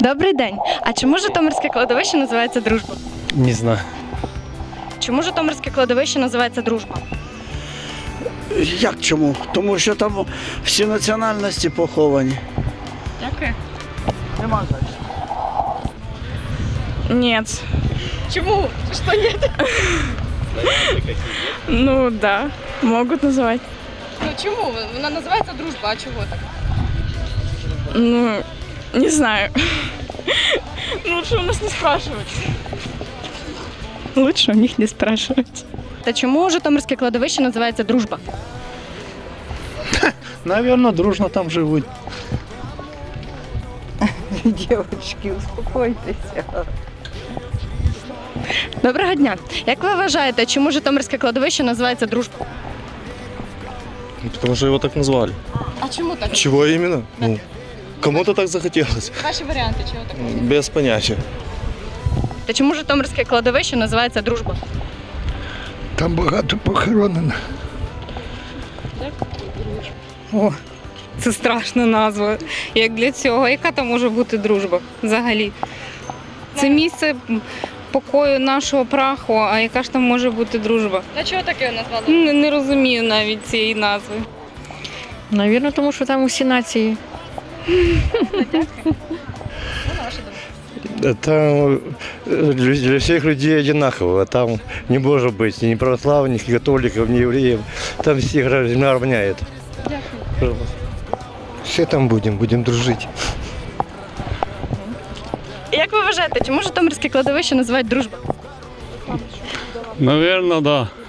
Добрий день. А чому Житомирське кладовище називається Дружба? Не знаю. Чому Житомирське кладовище називається Дружба? Як чому? Тому що там всі національності поховані. Дякую. Нема значення. Нет. Чому? Що ні? Ну да, могут называть. Ну чому? Вона називається Дружба, а чого так? Ну, не знаю. Лучше у нас не спрашивать. Лучше у них не спрашивать. Та чому Житомирське кладовище називається Дружба? Наверное, дружно там живут. Дівчатки, успокойтеся. Доброго дня. Як ви вважаєте, чому Житомирське кладовище називається Дружба? Потому что его так назвали. А чому так? Чего именно? Ну, кому-то так захотелось. Ваші варіанти, чого так? Без понятия. Та чому Житомирське кладовище називається Дружба? Там багато похоронено. О, це страшна назва. Як для цього, яка там може бути дружба взагалі? Це місце покою нашого праху, а яка ж там може бути дружба? Та чого так його назвали? Не розумію навіть цієї назви. Навірно, тому що там усі нації. Там для всех людей одинаково. Там не может быть ни православных, ни католиков, ни евреев. Там всех равняет. Все там будем дружить. Як ви вважаєте, чому Житомирське кладовище називають Дружба? Наверное, да.